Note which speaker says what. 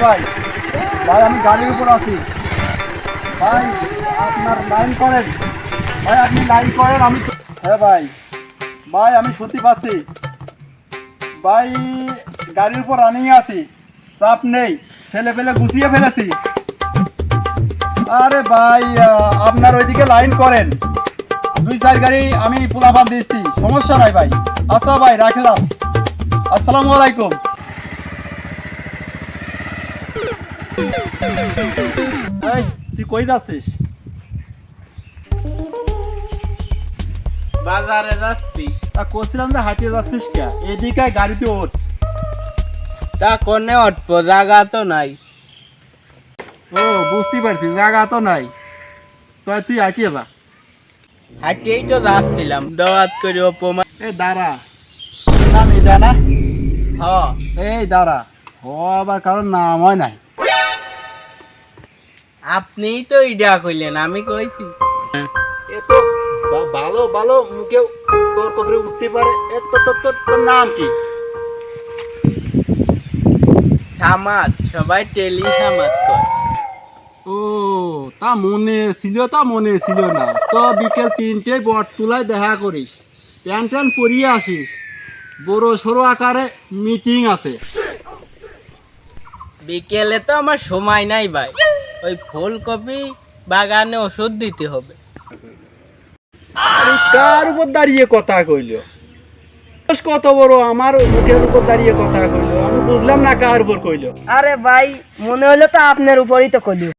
Speaker 1: ভাই ভাই আমি গাড়ির উপর আছি ভাই, আপনার লাইন করেন ভাই, আপনি লাইন করেন। আমি হ্যাঁ ভাই, ভাই আমি সত্যি পাচ্ছি ভাই, গাড়ির উপর রানিং আছি, চাপ নেই, ছেলে ফেলে গুছিয়ে ফেলেছি। আরে ভাই আপনার ওইদিকে লাইন করেন, 2-4 গাড়ি আমি পোলাপান দিচ্ছি, সমস্যা নাই ভাই। আচ্ছা ভাই রাখলাম, আসসালামু আলাইকুম। এই তুই কই যাচ্ছিস?
Speaker 2: বাজারে যাচ্ছি।
Speaker 1: তা করছিলাম যে হাঁটিয়ে যাচ্ছিস কে? এদিকে গাড়িতে ওঠ।
Speaker 2: তা কোনে উঠবো, জায়গা তো নাই।
Speaker 1: ও বুঝতে পারছি, জায়গা তো নাই, তো তুই হাঁটিয়ে যা।
Speaker 2: হাঁটিয়েই তো যাচ্ছিলাম, দাওয়াত করে অপমান।
Speaker 1: এই দাঁড়া, নাম এটা না?
Speaker 2: হ,
Speaker 1: এই দাঁড়া, ও আবার কারোর নাম হয় নাই।
Speaker 2: আপনিই তো ইডা কইলেন, আমি কইছি।
Speaker 1: এ তো ভালো ভালো মুখে তর্ক করে উঠতে পারে। এ তো তোর নাম কি?
Speaker 2: সামাদ, সবাই টেলি সামাদ কয়।
Speaker 1: ও তা মনে ছিল, তা মনে ছিল না তো। বিকেল 3টেয় বটতলায় দেখা করিস, প্যান্ট ট্যান্ট পরিয়ে আসিস, বড় সড়ো আকারে মিটিং আছে।
Speaker 2: বিকেলে তো আমার সময় নাই ভাই, ওই ফুলকপি বাগানে ওষুধ দিতে হবে।
Speaker 1: আরে কার উপর দাঁড়িয়ে কথা কইল? কত বড়, আমার মুখের উপর দাঁড়িয়ে কথা কইলো, আমি বুঝলাম না কার উপর কইলো।
Speaker 3: আরে ভাই, মনে হলো তো আপনার উপরই তো কলি।